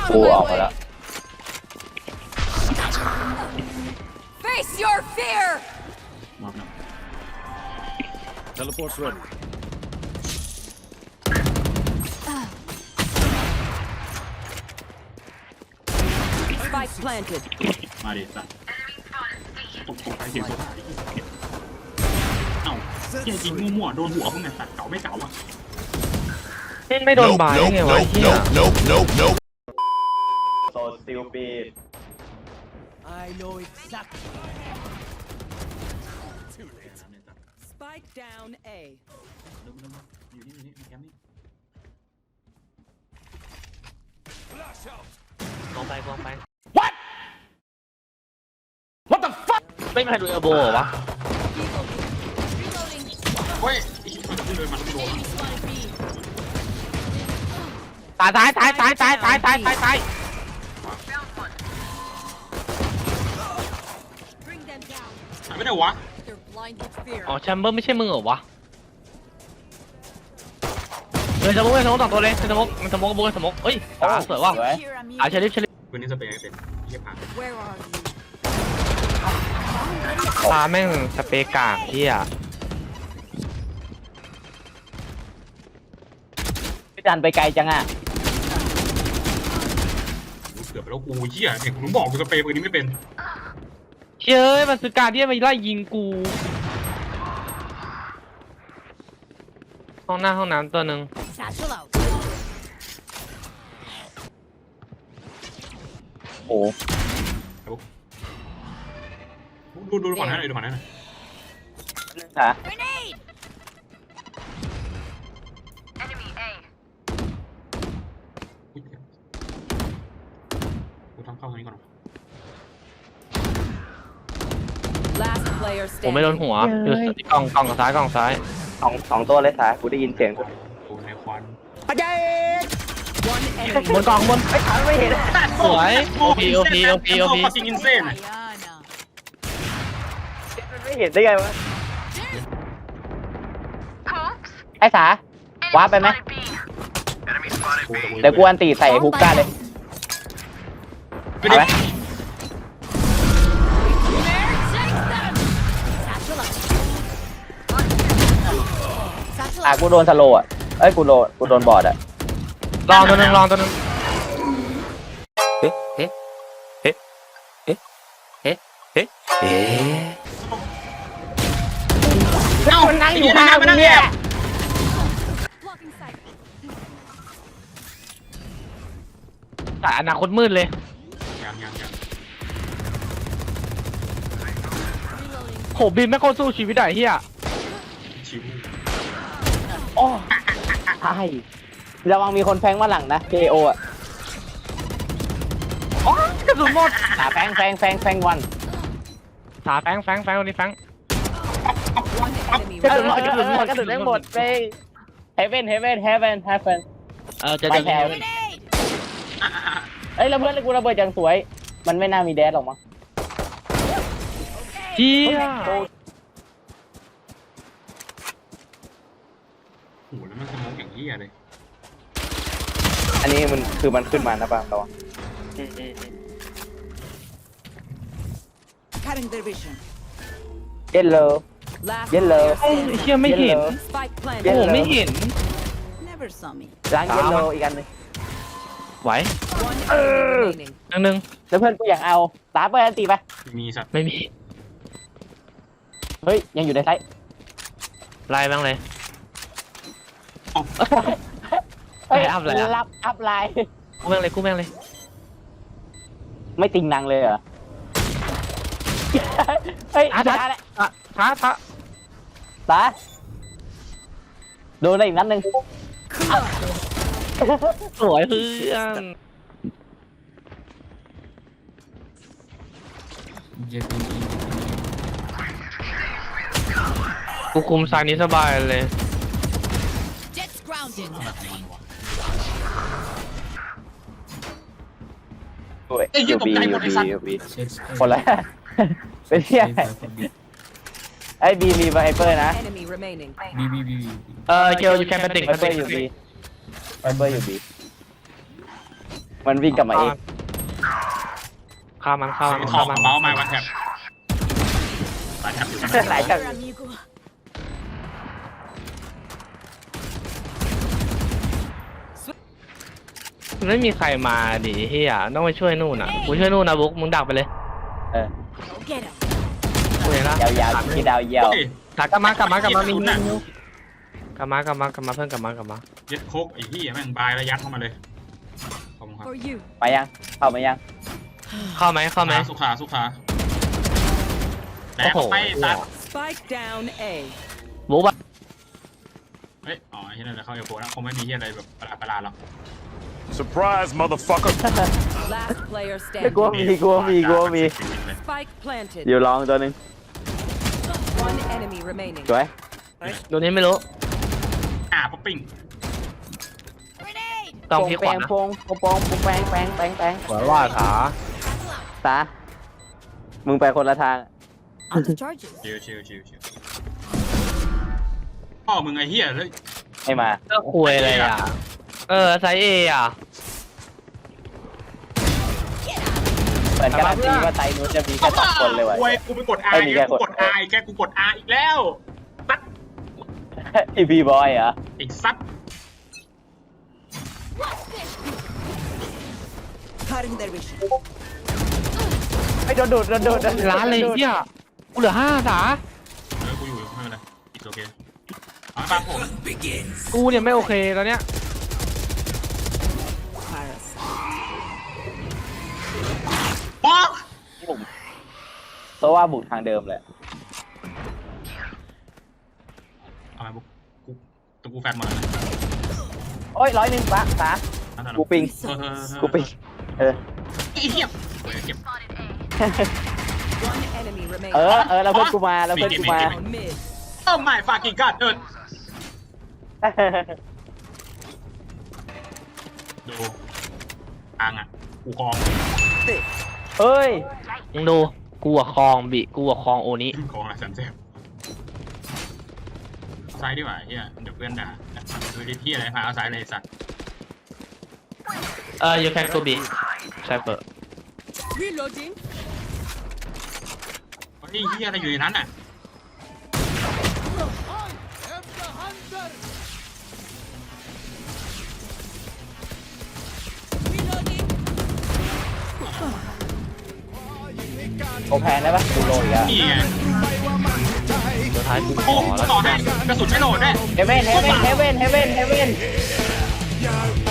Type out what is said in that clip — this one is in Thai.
กูออกมาแล้ว Face your fear. มาบนะ Teleport's ready. Spike planted. มาดิสัตว์ตกไปเสียงตัวเอ้าเฮียยิงมั่วๆโดนหัวพวกเนี่ยสัตว์เก่าไม่เก่าอ่ะไม่โดนบายได้ไงวะเฮียโซซิลปีด I know exactly. Spike down A. อยู่นี่แคมป์นี่ Flash out. กองไป What the fuck ไม่มีใครดูเอลโบเหรอวะ Reloading. เฮ้ยไอ้ชิ้นมันเดินมาแล้วโดน Enemy spotted B. ตาย Bring them down. หายไม่ได้วะ They're blind with fear. อ๋อแชมเบอร์ไม่ใช่มึงเหรอวะเลยสมกเลยสมกสองตัวเลยสมกมันสมกบูสมกเอ้ยตาสวยว่ะสวย Here I'm อ่ะ you. เชลิฟวันนี้สเปรย์เต็มเฮียผ่าน Where are you? ตาแม่งสเปรย์กากเฮียพี่จันไปไกลจังอ่ะเกือบไปแล้วกูเฮียเนี่ยผมบอกกูสเปรย์ปืนนี้ไม่เป็นเฮ้ยมันซื้อการเดียนมาไล่ยิงกูห้องน้ำตัวหนึ่ง Satchel out. โอ้ดูก่อนนะดูก่อนนะฮะ Grenade. กูทำเข้าตรงนี้ก่อน Last player ผมไม่โดน standing. หัวอยู่กล่องซ้ายสองตัวเลยสายกูได้ยินเสียงกูกูในควัน One enemy. บนกล่องบนไม่ทันไม่เห็นสวยโอพีฟักกิ้งอินเซ่น Diana. ไม่เห็นได้ไงวะไอ้สาว้าไปไหมเดี๋ยวกูอันตีใส่ฮุกก้าเลยไม่ได้ Satchel out. Satchel อ่ะ out. กูโดนสโลว์อ่ะเอ้ยกูโดนบอร์ดอ่ะลองตัวหนึงเอ้า มันนั่งอยู่ข้างกูเนี่ย Blocking sight. แต่อนาคตมืดเลยยัง Reloading. โหบินไม่โคตรสู้ชีวิตได้เฮียชิวโอ้ใช่ระวังมีคนแฟงมาหลังนะ KO อ่ะอ๋อกระสุนหมดแฟงวันสาแฟงวันนี้แฟง One enemy กระสุนหมด remaining. กระสุนหมดกระสุนหมดไปเฮเว่นจะไปแถว Grenade. เอ้ยแล้วเพื่อนกูระเบิดอย่างสวย มันไม่น่ามีแดดหรอกมั้งเฮียโหแล้วมันสมองอย่างเฮียเลยอันนี้มันคือมันขึ้นมานะป่ะระวัง Cutting their vision. เย็นเลย Last Yellow. player ไอ้ standing. เฮียไม่เห็น Spike โอ้ planted. โหไม่เห็น Never saw me. ล้างเย็นเลยอีกอันหนึงไหว One enemy remaining. นึงแล้วเพื่อนกูอยากเอาตาเปิดอันตีไปมีสัตว์ไม่มีเฮ้ยยังอยู่ในไซส์ไล่บ้างเลยเฮ้ยอัพเลยอะรับอัพไลน์กูแม่งเลยไม่ติงนังเลยเหรอเฮ้ยท้าตาแหละ ตาโดนอะไรอีกนัดหนึ่งสวยเพื่อน กูคุมสายนี้สบายเลย Jets grounded. อยู่บีคนละเป็นเที่ยไอ้บีมีไวเปอร์นะ Enemy remaining. เกลอยู่แคมป์ติ่งไวเปอร์อยู่บีมันวิ่งกลับมาเองฆ่ามันฆ่ามันทอฆ่าง มันเมาส์มาวันแท็บวันแท็บอยู่ไหนไหนกัน amigo. ไม่มีใครมาดิเฮียต้องไปช่วยนู่นอ่ะกูช่วยนู่นนะบุ๊กมึงดักไปเลยเออ Go get him. กูเห็นละยาวๆที่ดาวเยาวเฮ้ยกลับมากลับมมีสุดน่ะกลับมาเพื่อนกลับมายึดโคกไอ้ที่แม่งบายแล้วยัดเข้ามาเลยขอบคุณครับ For you. ไปยังเข้ามายังเข้าไหมสุขาแตกไปตัด Spike down A. บุ๊กอะเฮ้ยอ๋อที่นั่นจะเข้าเอโฟนะคงไม่มีที่อะไรแบบประหลาดหรอก Surprise, motherfucker! Last player ไม่กลัว standing. กลัวมี Spike planted. อยู่ลองตัวหนึ่ง One enemy remaining. สวยตัวนี้ไม่รู้ป๊อปปิ้ง Grenade. ต้องพลิกขวานะโปงแปงขวาว่าขาตามึงไปคนละทาง Out of charges. ชิวพ่อมึงไอ้เหี้ยเลยให้มาก็คุยอะไรอ่ะไซเออ่ะเหมือนการันตีว่าไตนู้นจะมีแค่2คนเลยว่ะเว้ยกูไปกด R ไม่มีแค่กูกด R แกกูกด R อีกแล้วซัดอีพีบอยเหรออีกซัด Cutting their vision. ไม่โดนดูดร้านเลยเฮียกูเหลือ5สากูอยู่ไม่เป็นไรอีกโอเคเอาฟังผมกูเนี่ยไม่โอเคตอนเนี้ย Paris. ป๊อกเพราะว่าบุกทางเดิมเลยเอาไปบุ๊กตัวกูแฟนหมดเลยโอ้ย100ปะตากูปิงกูปิงเออไอ้เหี้ยเก็บ One enemy remaining. แล้วเพื่อนกูมา Down mid. โอ้ my fucking god ดูทางอ่ะกูคลองเฮ้ยมึงดูกูอะคลองบิกูอะคลองโอนี้คลองอะไรสันเจ็บซ้ายดีกว่าเฮียเดี๋ยวเพื่อนด่าดูดิพี่อะไรพาเอาซ้ายเลยสัตว์ you can go B ใช่เปิด Reloading. เฮ้ยเฮียอะไรอยู่ในนั้นอ่ะโอแพนได้ปะดูโลอีกแล้วนี่ไงสุดท้ายกูขโอ้อแล้วต่อให้กระสุนไม่โหลดด้วยเฮเว่น